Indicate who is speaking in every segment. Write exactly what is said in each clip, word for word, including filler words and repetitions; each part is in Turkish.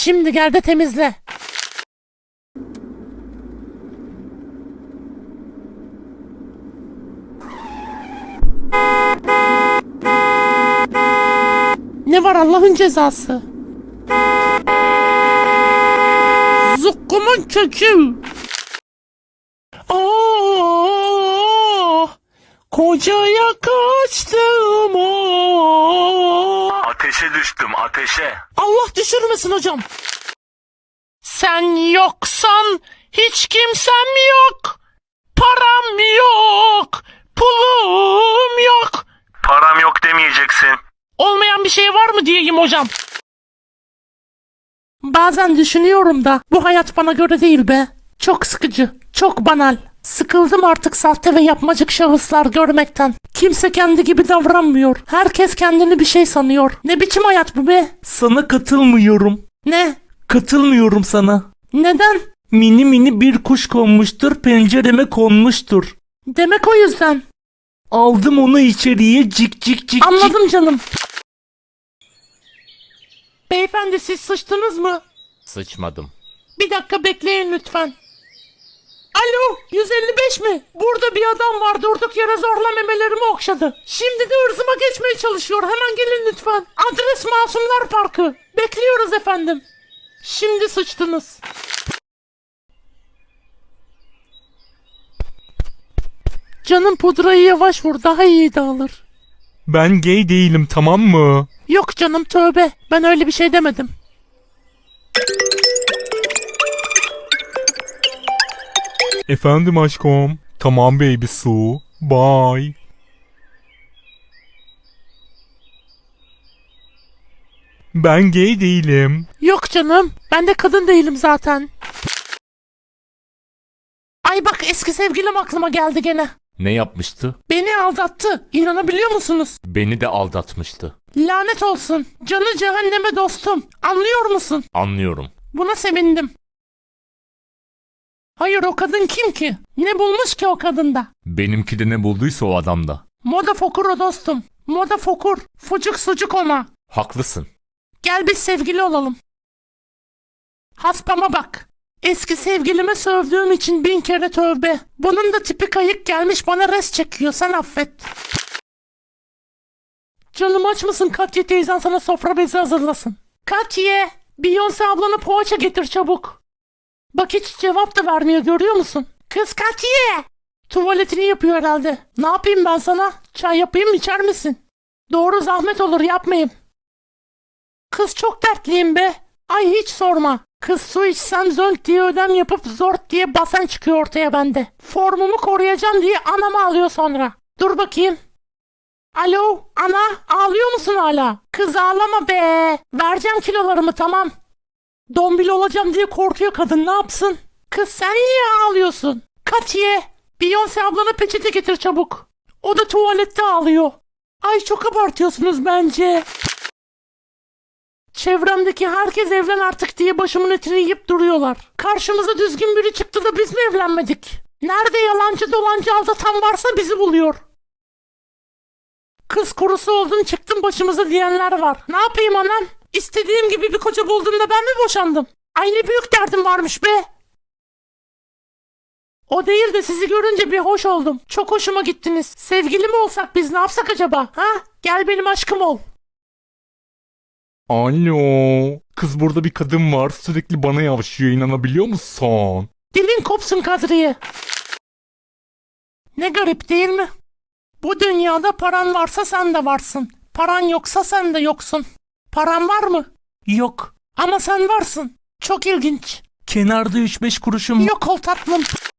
Speaker 1: Şimdi gel de temizle. Ne var Allah'ın cezası? Zukkumun kökü. Aa, kocaya kaçtım o.
Speaker 2: Ateşe düştüm, ateşe.
Speaker 1: Allah düşürmesin hocam. Sen yoksan hiç kimsem yok. Param yok. Pulum yok.
Speaker 2: Param yok demeyeceksin.
Speaker 1: Olmayan bir şey var mı diyeyim hocam. Bazen düşünüyorum da bu hayat bana göre değil be. Çok sıkıcı, çok banal. Sıkıldım artık sahte ve yapmacık şahıslar görmekten. Kimse kendi gibi davranmıyor. Herkes kendini bir şey sanıyor. Ne biçim hayat bu be?
Speaker 3: Sana katılmıyorum.
Speaker 1: Ne?
Speaker 3: Katılmıyorum sana.
Speaker 1: Neden?
Speaker 3: Mini mini bir kuş konmuştur, pencereme konmuştur.
Speaker 1: Demek o yüzden.
Speaker 3: Aldım onu içeriye, cik cik cik
Speaker 1: Anladım
Speaker 3: cik.
Speaker 1: canım. Beyefendi siz sıçtınız mı?
Speaker 4: Sıçmadım.
Speaker 1: Bir dakika bekleyin lütfen. Alo, yüz elli beş mi? Burada bir adam var, durduk yere zorla memelerimi okşadı. Şimdi de ırzıma geçmeye çalışıyor. Hemen gelin lütfen. Adres Masumlar Parkı. Bekliyoruz efendim. Şimdi sıçtınız. Canım pudrayı yavaş vur, daha iyi dağılır.
Speaker 3: Ben gay değilim, tamam mı?
Speaker 1: Yok canım tövbe, ben öyle bir şey demedim.
Speaker 3: Efendim aşkım. Tamam baby su. Bye. Ben gay değilim.
Speaker 1: Yok canım, ben de kadın değilim zaten. Ay bak eski sevgilim aklıma geldi gene.
Speaker 4: Ne yapmıştı?
Speaker 1: Beni aldattı. İnanabiliyor musunuz?
Speaker 4: Beni de aldatmıştı.
Speaker 1: Lanet olsun. Canı cehenneme dostum. Anlıyor musun?
Speaker 4: Anlıyorum.
Speaker 1: Buna sevindim. Hayır o kadın kim ki? Ne bulmuş ki o kadında?
Speaker 4: Benimki de ne bulduysa o adamda.
Speaker 1: Moda fokur o dostum. Moda fokur. Fucuk sucuk ona.
Speaker 4: Haklısın.
Speaker 1: Gel biz sevgili olalım. Haspama bak. Eski sevgilime sövdüğüm için bin kere tövbe. Bunun da tipi kayık gelmiş bana res çekiyor, sen affet. Canım aç mısın? Katya teyzen sana sofra bezi hazırlasın. Katya, Beyoncé ablana poğaça getir çabuk. Bak hiç cevap da vermiyor, görüyor musun? Kız Katya! Tuvaletini yapıyor herhalde. Ne yapayım ben sana? Çay yapayım mı, içer misin? Doğru, zahmet olur, yapmayayım. Kız çok dertliyim be. Ay hiç sorma. Kız su içsem zönk diye ödem yapıp zort diye basen çıkıyor ortaya bende. Formumu koruyacağım diye anama alıyor sonra. Dur bakayım. Alo ana, ağlıyor musun hala? Kız ağlama be. Vereceğim kilolarımı, tamam. Dombil olacağım diye korkuyor kadın, ne yapsın? Kız sen niye ağlıyorsun? Katiye, Beyoncé ablana peçete getir çabuk. O da tuvalette ağlıyor. Ay çok abartıyorsunuz bence. Çevremdeki herkes evlen artık diye başımın etini yiyip duruyorlar. Karşımıza düzgün biri çıktı da biz mi evlenmedik? Nerede yalancı dolancı aldatan varsa bizi buluyor. Kız kurusu oldun çıktın başımıza diyenler var. Ne yapayım anam? İstediğim gibi bir koca buldum da ben mi boşandım? Ay ne büyük derdim varmış be. O değil de sizi görünce bir hoş oldum. Çok hoşuma gittiniz. Sevgili mi olsak biz, ne yapsak acaba? Ha? Gel benim aşkım ol.
Speaker 3: Alo. Kız burada bir kadın var, sürekli bana yavşıyor, inanabiliyor musun?
Speaker 1: Dilin kopsun Kadriye. Ne garip değil mi? Bu dünyada paran varsa sen de varsın. Paran yoksa sen de yoksun. Paran var mı?
Speaker 3: Yok.
Speaker 1: Ama sen varsın. Çok ilginç.
Speaker 3: Kenarda üç beş kuruşum.
Speaker 1: Yok ol tatlım.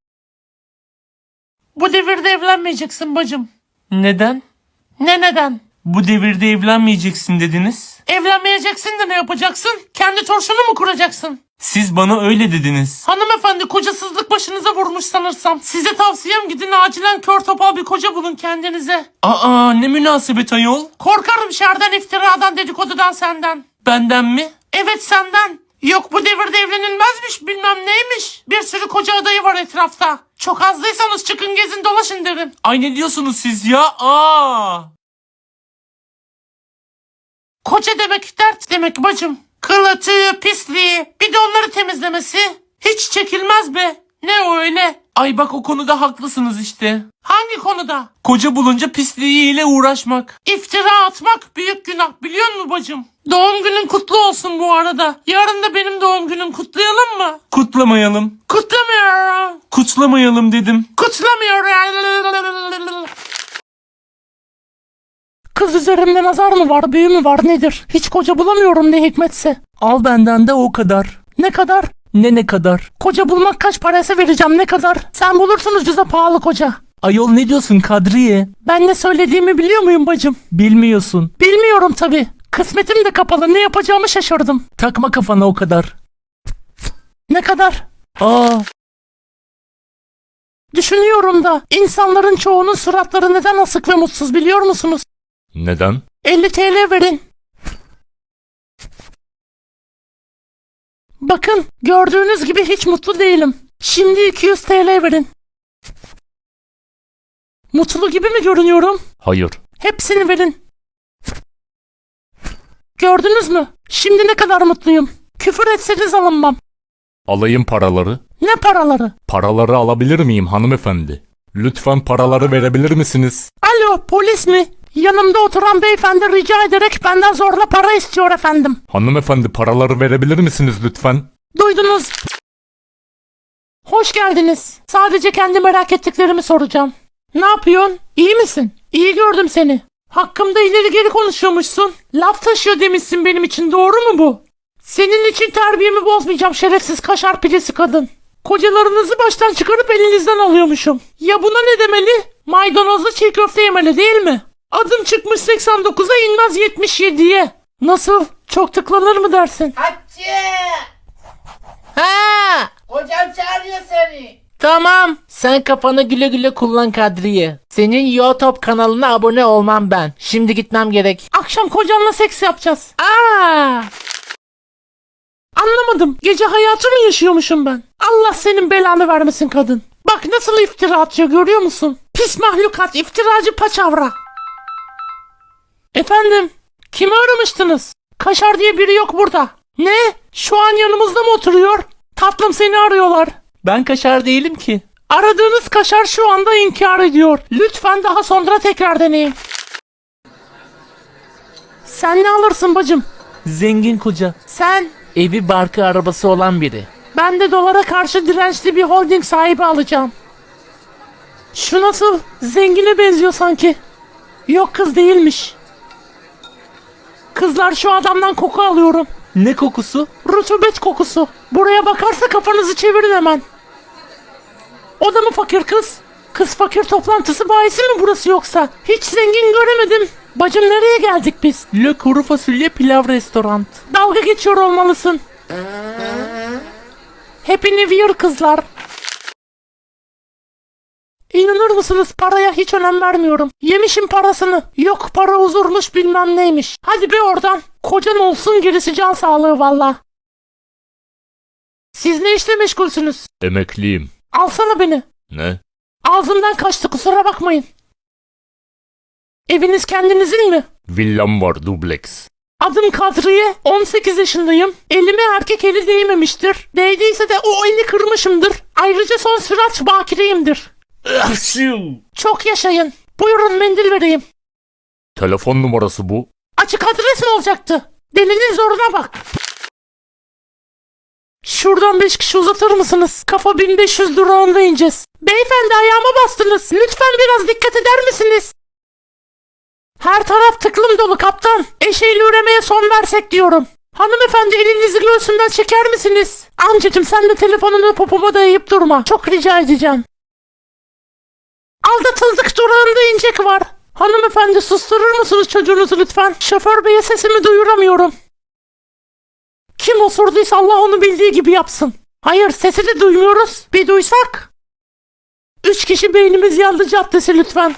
Speaker 1: Bu devirde evlenmeyeceksin bacım.
Speaker 3: Neden?
Speaker 1: Ne neden?
Speaker 3: Bu devirde evlenmeyeceksin dediniz.
Speaker 1: Evlenmeyeceksin de ne yapacaksın? Kendi torşunu mu kuracaksın?
Speaker 3: Siz bana öyle dediniz.
Speaker 1: Hanımefendi, kocasızlık başınıza vurmuş sanırsam. Size tavsiyem gidin acilen kör topal bir koca bulun kendinize.
Speaker 3: Aa, ne münasebet ayol.
Speaker 1: Korkarım şerden, iftiradan, dedikodudan senden.
Speaker 3: Benden mi?
Speaker 1: Evet senden. Yok bu devirde evlenilmezmiş, bilmem neymiş. Bir sürü koca adayı var etrafta. Çok azdıysanız çıkın gezin dolaşın derim.
Speaker 3: Ay ne diyorsunuz siz ya? Aa!
Speaker 1: Koca demek dert demek bacım. Kılı, tüyü, pisliği, bir de onları temizlemesi. Hiç çekilmez be. Ne o öyle?
Speaker 5: Ay bak o konuda haklısınız işte.
Speaker 1: Hangi konuda?
Speaker 5: Koca bulunca pisliğiyle uğraşmak.
Speaker 1: İftira atmak büyük günah, biliyor musun bacım? Doğum günün kutlu olsun bu arada. Yarın da benim doğum günüm, kutlayalım mı?
Speaker 5: Kutlamayalım.
Speaker 1: Kutlamıyorum.
Speaker 5: Kutlamayalım dedim.
Speaker 1: Kutlamıyorum. Kız üzerimde nazar mı var, büyü mü var, nedir? Hiç koca bulamıyorum ne hikmetse.
Speaker 5: Al benden de o kadar.
Speaker 1: Ne kadar?
Speaker 5: Ne ne kadar?
Speaker 1: Koca bulmak kaç parası vereceğim, ne kadar? Sen bulursun ucuza pahalı koca.
Speaker 5: Ayol ne diyorsun Kadriye?
Speaker 1: Ben ne söylediğimi biliyor muyum bacım?
Speaker 5: Bilmiyorsun.
Speaker 1: Bilmiyorum tabii. Kısmetim de kapalı, ne yapacağımı şaşırdım.
Speaker 5: Takma kafana o kadar.
Speaker 1: Ne kadar?
Speaker 5: Aa,
Speaker 1: Düşünüyorum da insanların çoğunun suratları neden asık ve mutsuz biliyor musunuz?
Speaker 4: Neden?
Speaker 1: elli TL verin. Bakın gördüğünüz gibi hiç mutlu değilim. Şimdi iki yüz TL verin. Mutlu gibi mi görünüyorum?
Speaker 4: Hayır.
Speaker 1: Hepsini verin. Gördünüz mü? Şimdi ne kadar mutluyum. Küfür etseniz alınmam.
Speaker 4: Alayım paraları.
Speaker 1: Ne paraları?
Speaker 4: Paraları alabilir miyim hanımefendi? Lütfen paraları verebilir misiniz?
Speaker 1: Alo, polis mi? Yanımda oturan beyefendi rica ederek benden zorla para istiyor efendim.
Speaker 4: Hanımefendi paraları verebilir misiniz lütfen?
Speaker 1: Duydunuz. Hoş geldiniz. Sadece kendi merak ettiklerimi soracağım. Ne yapıyorsun? İyi misin? İyi gördüm seni. Hakkımda ileri geri konuşuyormuşsun. Laf taşıyor demişsin benim için, doğru mu bu? Senin için terbiyemi bozmayacağım şerefsiz kaşar pilesi kadın. Kocalarınızı baştan çıkarıp elinizden alıyormuşum. Ya buna ne demeli? Maydanozlu çiğ köfte yemeli değil mi? Adım çıkmış seksen dokuza inmez yetmiş yediye. Nasıl? Çok tıklanır mı dersin?
Speaker 6: Hatice!
Speaker 1: Ha!
Speaker 6: Kocam çağırıyor seni.
Speaker 1: Tamam.
Speaker 6: Sen kafanı güle güle kullan Kadriye. Senin YouTube kanalına abone olmam ben. Şimdi gitmem gerek.
Speaker 1: Akşam kocanla seks yapacağız. Aa! Anlamadım. Gece hayatı mı yaşıyormuşum ben? Allah senin belanı vermesin kadın. Bak nasıl iftira atıyor, görüyor musun? Pis mahlukat, iftiracı paçavra. Efendim, kimi aramıştınız? Kaşar diye biri yok burada. Ne? Şu an yanımızda mı oturuyor? Tatlım, seni arıyorlar.
Speaker 5: ben kaşar değilim ki.
Speaker 1: Aradığınız kaşar şu anda inkar ediyor. Lütfen daha sonra tekrar deneyin. Sen ne alırsın bacım?
Speaker 5: Zengin koca.
Speaker 1: Sen?
Speaker 6: Evi barkı arabası olan biri.
Speaker 1: Ben de dolara karşı dirençli bir holding sahibi alacağım. Şu nasıl? Zengine benziyor sanki. Yok, kız değilmiş. Kızlar, şu adamdan koku alıyorum.
Speaker 5: Ne kokusu?
Speaker 1: Rutubet kokusu. Buraya bakarsa kafanızı çevirin hemen. O da mı fakir kız? Kız fakir toplantısı bahisi mi burası yoksa? Hiç zengin göremedim. Bacım, nereye geldik biz?
Speaker 5: Le kuru fasulye pilav restoran.
Speaker 1: Dalga geçiyor olmalısın. Happy New Year kızlar. İnanır mısınız, paraya hiç önem vermiyorum. Yemişim parasını. Yok para huzurmuş bilmem neymiş. Hadi be oradan. Kocan olsun, gerisi can sağlığı valla. Siz ne işle meşgulsünüz?
Speaker 4: Emekliyim.
Speaker 1: Alsana beni.
Speaker 4: Ne?
Speaker 1: Ağzımdan kaçtı, kusura bakmayın. Eviniz kendinizin mi?
Speaker 4: Villam var dubleks.
Speaker 1: Adım Kadriye, on sekiz yaşındayım. Elime erkek eli değmemiştir. Değdiyse de o eli kırmışımdır. Ayrıca son sürat bakireyimdir. Çok yaşayın. Buyurun, mendil vereyim.
Speaker 4: Telefon numarası bu.
Speaker 1: Açık adres mi olacaktı? Delinin zoruna bak. Şuradan beş kişi uzatır mısınız? Kafa bin beş yüz durağında ineceğiz. Beyefendi, ayağıma bastınız. Lütfen biraz dikkat eder misiniz? Her taraf tıklım dolu kaptan. Eşeğiyle üremeye son versek diyorum. Hanımefendi, elinizi göğsümden çeker misiniz? Amcacım, sen de telefonunu popoma dayayıp durma. Çok rica edeceğim. Aldatıldık durağında incek var. Hanımefendi, susturur musunuz çocuğunuzu lütfen? Şoför beye sesimi duyuramıyorum. Kim osurduysa Allah onu bildiği gibi yapsın. Hayır, sesi de duymuyoruz. Bir duysak. Üç kişi beynimiz yandı caddesi lütfen.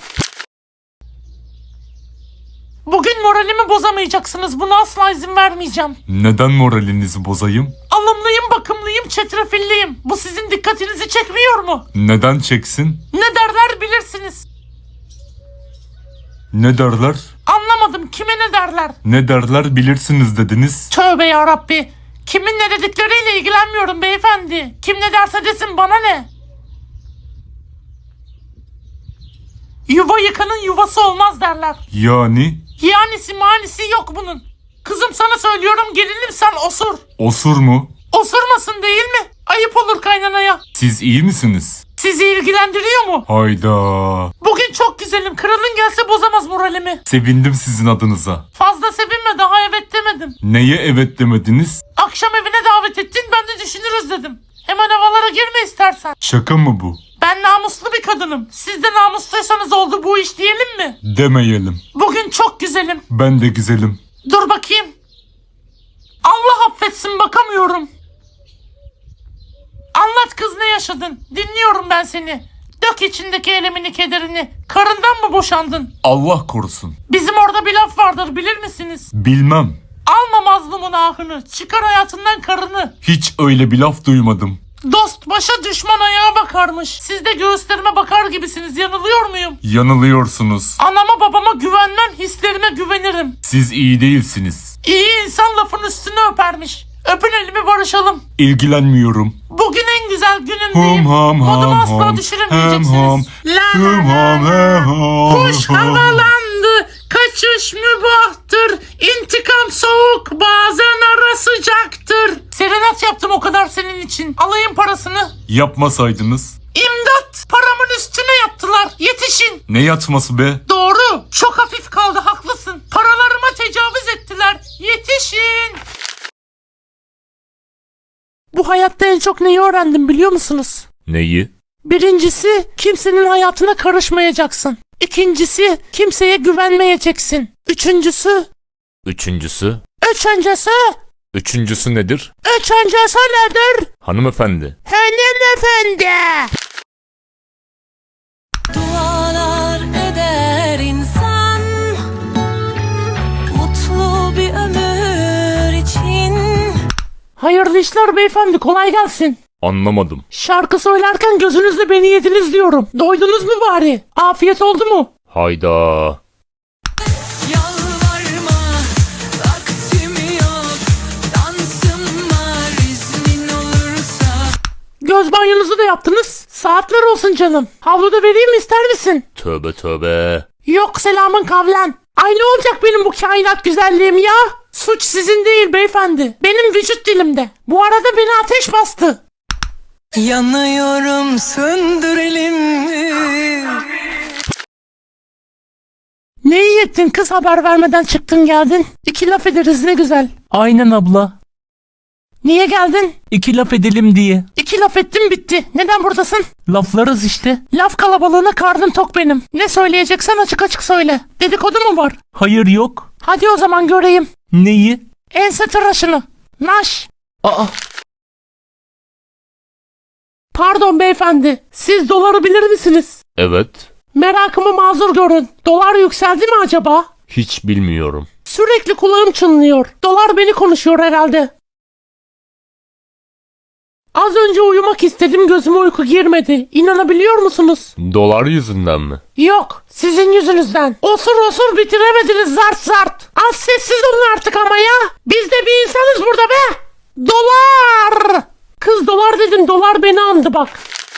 Speaker 1: Bugün moralimi bozamayacaksınız. Buna asla izin vermeyeceğim.
Speaker 3: Neden moralinizi bozayım?
Speaker 1: Alımlıyım, bakımlıyım, çetrefilliyim. Bu sizin dikkatinizi çekmiyor mu?
Speaker 3: Neden çeksin?
Speaker 1: Ne derler bilirsiniz.
Speaker 3: Ne derler?
Speaker 1: Anlamadım, kime ne derler?
Speaker 3: Ne derler bilirsiniz dediniz.
Speaker 1: Tövbe yarabbi. Kimin ne dedikleriyle ilgilenmiyorum beyefendi. Kim ne derse desin, bana ne? Yuva yıkanın yuvası olmaz derler.
Speaker 3: Yani
Speaker 1: Yanisi manisi yok bunun. Kızım sana söylüyorum, gelinim sen osur.
Speaker 3: osur mu?
Speaker 1: Osurmasın değil mi? Ayıp olur kaynanaya.
Speaker 3: Siz iyi misiniz?
Speaker 1: Sizi ilgilendiriyor mu?
Speaker 3: Hayda.
Speaker 1: Bugün çok güzelim. Kralın gelse bozamaz moralimi.
Speaker 3: Sevindim sizin adınıza.
Speaker 1: Fazla sevinme, daha evet demedim.
Speaker 3: Neye evet demediniz?
Speaker 1: Akşam evine davet ettin, ben de düşünürüz dedim. Hemen havalara girme istersen.
Speaker 3: Şaka mı bu?
Speaker 1: Ben namuslu bir kadınım. Siz de namusluysanız oldu bu iş diyelim mi?
Speaker 3: Demeyelim.
Speaker 1: Bugün çok güzelim.
Speaker 3: Ben de güzelim.
Speaker 1: Dur bakayım. Allah affetsin, bakamıyorum. Anlat kız, ne yaşadın? Dinliyorum ben seni. Dök içindeki elemini kederini. Karından mı boşandın?
Speaker 3: Allah korusun.
Speaker 1: Bizim orada bir laf vardır, bilir misiniz?
Speaker 3: Bilmem.
Speaker 1: Alma mazlumun ahını. Çıkar hayatından karını.
Speaker 3: Hiç öyle bir laf duymadım.
Speaker 1: Dost başa düşman ayağa bakarmış. Siz de göğüslerime bakar gibisiniz. Yanılıyor muyum?
Speaker 3: Yanılıyorsunuz.
Speaker 1: Anama babama güvenmem, hislerime güvenirim.
Speaker 3: Siz iyi değilsiniz.
Speaker 1: İyi insan lafın üstüne öpermiş. Öpün elimi, barışalım.
Speaker 3: İlgilenmiyorum.
Speaker 1: Bugün en güzel günümdeyim.
Speaker 3: Hum ham
Speaker 1: Modumu
Speaker 3: ham
Speaker 1: asla
Speaker 3: ham.
Speaker 1: düşüremeyeceksiniz.
Speaker 3: Hem ham.
Speaker 1: La
Speaker 3: Hum
Speaker 1: la
Speaker 3: ham
Speaker 1: la
Speaker 3: he
Speaker 1: la.
Speaker 3: ham.
Speaker 1: Kuş havalandı, kaçış mübahtır. İntikam soğuk, bazen ara sıcaktır. Serenat yaptım o kadar senin için. Alayım parasını.
Speaker 3: Yapmasaydınız.
Speaker 1: İmdat! Paramın üstüne yattılar. Yetişin.
Speaker 3: Ne yatması be?
Speaker 1: Doğru. Çok hafif kaldı, haklısın. Paralarıma tecavüz ettiler. Yetişin. Bu hayatta en çok neyi öğrendim biliyor musunuz?
Speaker 4: Neyi?
Speaker 1: Birincisi, kimsenin hayatına karışmayacaksın. İkincisi, kimseye güvenmeyeceksin. Üçüncüsü,
Speaker 4: Üçüncüsü?
Speaker 1: üçüncüsü,
Speaker 4: Üçüncüsü nedir?
Speaker 1: üçüncüsü nedir?
Speaker 4: Hanımefendi.
Speaker 1: Hanımefendi.
Speaker 7: Dualar eder insan mutlu bir ömür için.
Speaker 1: Hayırlı işler beyefendi, kolay gelsin.
Speaker 4: Anlamadım.
Speaker 1: Şarkı söylerken gözünüzle beni yediniz diyorum. Doydunuz mu bari? Afiyet oldu mu?
Speaker 4: Hayda.
Speaker 7: Yalvarma, vaktim yok, dansım var, iznin olursa.
Speaker 1: Göz banyonuzu da yaptınız. Saatler olsun canım. Havluda vereyim mi, ister misin?
Speaker 4: Tövbe tövbe.
Speaker 1: Yok selamın kavlen. Ay ne olacak benim bu kainat güzelliğim ya? Suç sizin değil beyefendi. Benim vücut dilimde. Bu arada beni ateş bastı.
Speaker 7: Yanıyorum, söndürelim mi?
Speaker 1: Ne iyi ettin kız, haber vermeden çıktın geldin. İki laf ederiz, ne güzel.
Speaker 5: Aynen abla.
Speaker 1: Niye geldin?
Speaker 5: İki laf edelim diye.
Speaker 1: İki laf ettim, bitti. Neden buradasın?
Speaker 5: Laflarız işte.
Speaker 1: Laf kalabalığına karnım tok benim. Ne söyleyeceksen açık açık söyle. Dedikodu mu var?
Speaker 5: Hayır yok.
Speaker 1: Hadi o zaman göreyim.
Speaker 5: Neyi?
Speaker 1: Ense tıraşını. Naş.
Speaker 5: Aa,
Speaker 1: Pardon beyefendi. Siz doları bilir misiniz?
Speaker 4: Evet.
Speaker 1: Merakımı mazur görün. Dolar yükseldi mi acaba?
Speaker 4: Hiç bilmiyorum.
Speaker 1: Sürekli kulağım çınlıyor. Dolar beni konuşuyor herhalde. Az önce uyumak istedim, gözüme uyku girmedi. İnanabiliyor musunuz?
Speaker 4: Dolar yüzünden mi?
Speaker 1: Yok, sizin yüzünüzden. Osur osur bitiremediniz, zart zart. Az sessiz olun artık ama ya. Biz de bir insanız burada be. Dolar. Kız dolar dedim, dolar beni andı bak.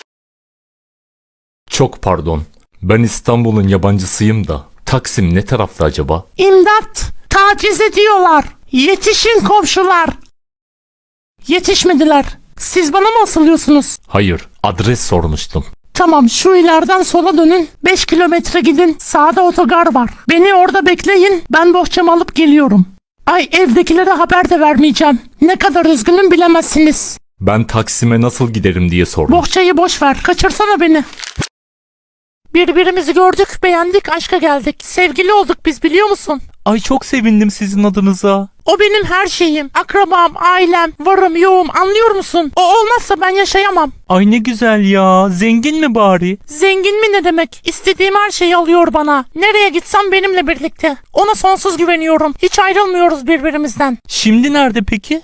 Speaker 4: Çok pardon. Ben İstanbul'un yabancısıyım da. Taksim ne tarafta acaba?
Speaker 1: İmdat, taciz ediyorlar. Yetişin komşular. Yetişmediler. Siz bana mı asılıyorsunuz?
Speaker 4: Hayır. Adres sormuştum.
Speaker 1: Tamam, şu ileriden sola dönün. beş kilometre gidin. Sağda otogar var. Beni orada bekleyin. Ben bohçamı alıp geliyorum. Ay, evdekilere haber de vermeyeceğim. Ne kadar üzgünüm bilemezsiniz.
Speaker 4: Ben Taksim'e nasıl giderim diye sordum.
Speaker 1: Bohçayı boş ver. Kaçırsana beni. Birbirimizi gördük, beğendik, aşka geldik. Sevgili olduk biz, biliyor musun?
Speaker 5: ay çok sevindim sizin adınıza.
Speaker 1: O benim her şeyim. Akrabam, ailem, varım, yoğum, anlıyor musun? O olmazsa ben yaşayamam.
Speaker 5: Ay ne güzel ya. Zengin mi bari?
Speaker 1: Zengin mi ne demek? İstediğim her şeyi alıyor bana. Nereye gitsem benimle birlikte. Ona sonsuz güveniyorum. Hiç ayrılmıyoruz birbirimizden.
Speaker 5: Şimdi nerede peki?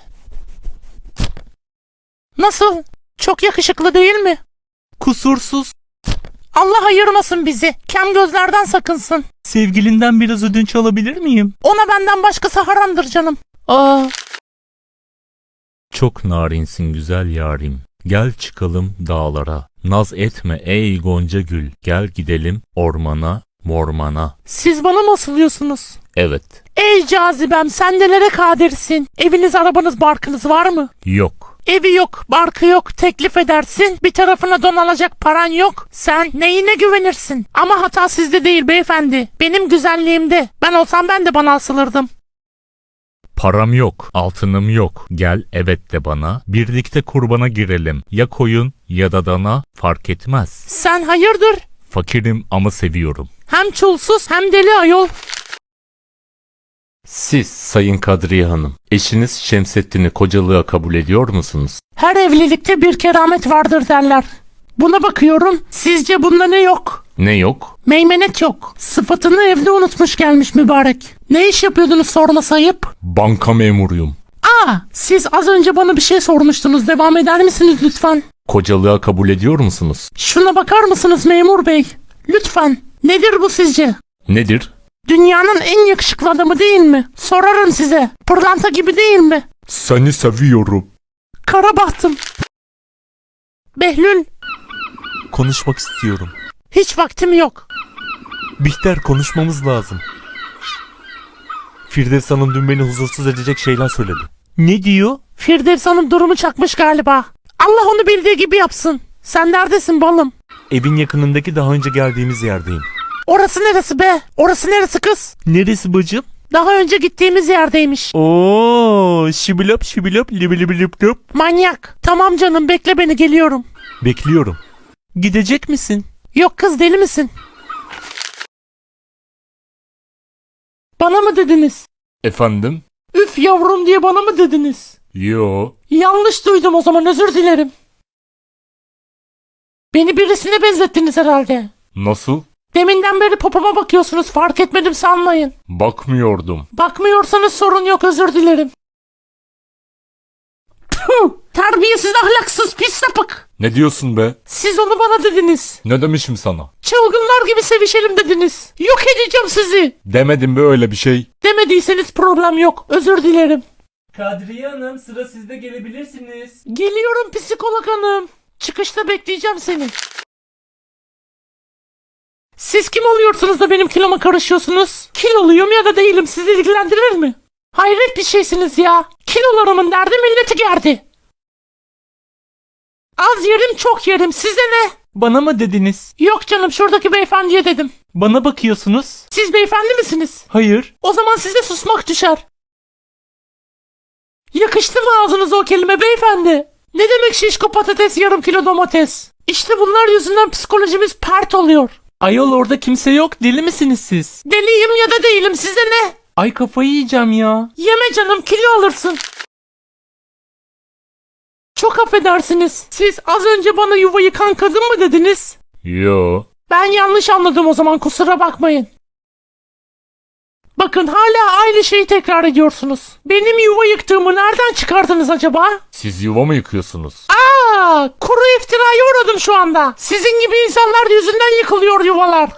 Speaker 1: Nasıl? Çok yakışıklı değil mi?
Speaker 5: Kusursuz.
Speaker 1: Allah ayırmasın bizi. Kem gözlerden sakınsın.
Speaker 5: Sevgilinden biraz ödünç alabilir miyim?
Speaker 1: Ona benden başkası haramdır canım.
Speaker 5: Aa.
Speaker 4: Çok narinsin güzel yarim. Gel çıkalım dağlara. Naz etme ey gonca gül. Gel gidelim ormana, mormana.
Speaker 1: Siz bana mı asılıyorsunuz?
Speaker 4: Evet.
Speaker 1: Ey cazibem sen nelere kadirsin? Eviniz, arabanız, barkınız var mı?
Speaker 4: Yok.
Speaker 1: Evi yok, barkı yok, teklif edersin. Bir tarafına don alacak paran yok. Sen neyine güvenirsin? Ama hata sizde değil beyefendi. Benim güzelliğimde. Ben olsam ben de bana asılırdım.
Speaker 4: Param yok, altınım yok. Gel evet de bana. Birlikte kurbana girelim. Ya koyun ya da dana fark etmez.
Speaker 1: Sen hayırdır?
Speaker 4: Fakirim ama seviyorum.
Speaker 1: Hem çulsuz hem deli ayol.
Speaker 4: Siz Sayın Kadriye Hanım, eşiniz Şemsettin'i kocalığa kabul ediyor musunuz?
Speaker 1: Her evlilikte bir keramet vardır derler. Buna bakıyorum. Sizce bunda ne yok?
Speaker 4: Ne yok?
Speaker 1: Meymenet yok. Sıfatını evde unutmuş gelmiş mübarek. Ne iş yapıyordunuz sorması ayıp?
Speaker 4: Banka memuruyum.
Speaker 1: Aa, siz az önce bana bir şey sormuştunuz. Devam eder misiniz lütfen?
Speaker 4: Kocalığa kabul ediyor musunuz?
Speaker 1: Şuna bakar mısınız memur bey? Lütfen. Nedir bu sizce?
Speaker 4: Nedir?
Speaker 1: Dünyanın en yakışıklı adamı değil mi? Sorarım size. Pırlanta gibi değil mi?
Speaker 3: Seni seviyorum.
Speaker 1: Kara bahtım. Behlül,
Speaker 5: Konuşmak istiyorum.
Speaker 1: hiç vaktim yok.
Speaker 5: Bihter, konuşmamız lazım. Firdevs Hanım dün beni huzursuz edecek şeyler söyledi. Ne diyor?
Speaker 1: Firdevs Hanım durumu çakmış galiba. Allah onu bildiği gibi yapsın. Sen neredesin balım?
Speaker 5: Evin yakınındaki daha önce geldiğimiz yerdeyim.
Speaker 1: Orası neresi be? Orası neresi kız?
Speaker 5: Neresi bacım?
Speaker 1: Daha önce gittiğimiz yerdeymiş.
Speaker 5: Oo, şibilop şibilop libilip lop.
Speaker 1: Manyak. Tamam canım bekle beni geliyorum.
Speaker 5: Bekliyorum. Gidecek misin?
Speaker 1: Yok kız deli misin? Bana mı dediniz?
Speaker 4: Efendim?
Speaker 1: Üf yavrum diye bana mı dediniz?
Speaker 4: Yo.
Speaker 1: Yanlış duydum o zaman özür dilerim. Beni birisine benzettiniz herhalde.
Speaker 4: Nasıl?
Speaker 1: Deminden beri popoma bakıyorsunuz fark etmedim sanmayın.
Speaker 4: Bakmıyordum.
Speaker 1: Bakmıyorsanız sorun yok özür dilerim. Tüh, terbiyesiz ahlaksız pis sapık.
Speaker 4: Ne diyorsun be?
Speaker 1: Siz onu bana dediniz.
Speaker 4: Ne demişim sana?
Speaker 1: Çılgınlar gibi sevişelim dediniz. Yok edeceğim sizi.
Speaker 4: Demedim be öyle bir şey.
Speaker 1: Demediyseniz problem yok özür dilerim.
Speaker 5: Kadriye Hanım, sıra sizde, gelebilirsiniz.
Speaker 1: Geliyorum psikolog hanım. Çıkışta bekleyeceğim seni. Siz kim oluyorsunuz da benim kiloma karışıyorsunuz? Kiloluyum ya da değilim sizi ilgilendirir mi? Hayret bir şeysiniz ya. Kilolarımın derdi milleti gerdi. Az yerim çok yerim size ne?
Speaker 5: Bana mı dediniz?
Speaker 1: Yok canım şuradaki beyefendiye dedim.
Speaker 5: Bana bakıyorsunuz.
Speaker 1: Siz beyefendi misiniz?
Speaker 5: Hayır.
Speaker 1: O zaman size susmak düşer. Yakıştı mı ağzınıza o kelime beyefendi? Ne demek şişko patates yarım kilo domates? İşte bunlar yüzünden psikolojimiz pert oluyor.
Speaker 5: Ayol, orada kimse yok, deli misiniz siz?
Speaker 1: Deliyim ya da değilim size ne?
Speaker 5: Ay, kafayı yiyeceğim ya.
Speaker 1: Yeme canım kilo alırsın. Çok affedersiniz. Siz az önce bana yuva yıkan kadın mı dediniz?
Speaker 4: Yo.
Speaker 1: Ben yanlış anladım o zaman kusura bakmayın. Bakın hala aynı şeyi tekrar ediyorsunuz. Benim yuva yıktığımı nereden çıkardınız acaba?
Speaker 4: Siz yuva mı yıkıyorsunuz?
Speaker 1: Aa, kuru iftiraya uğradım şu anda. Sizin gibi insanlar yüzünden yıkılıyor yuvalar.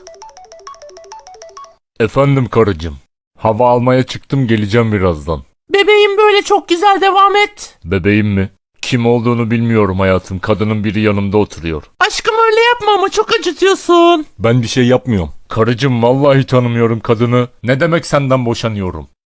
Speaker 4: Efendim karıcığım. Hava almaya çıktım, geleceğim birazdan.
Speaker 1: Bebeğim böyle çok güzel devam et.
Speaker 4: Bebeğim mi? Kim olduğunu bilmiyorum hayatım. Kadının biri yanımda oturuyor.
Speaker 1: Aşkım öyle yapma ama çok acıtıyorsun.
Speaker 4: Ben bir şey yapmıyorum. Karıcığım vallahi tanımıyorum kadını. Ne demek senden boşanıyorum?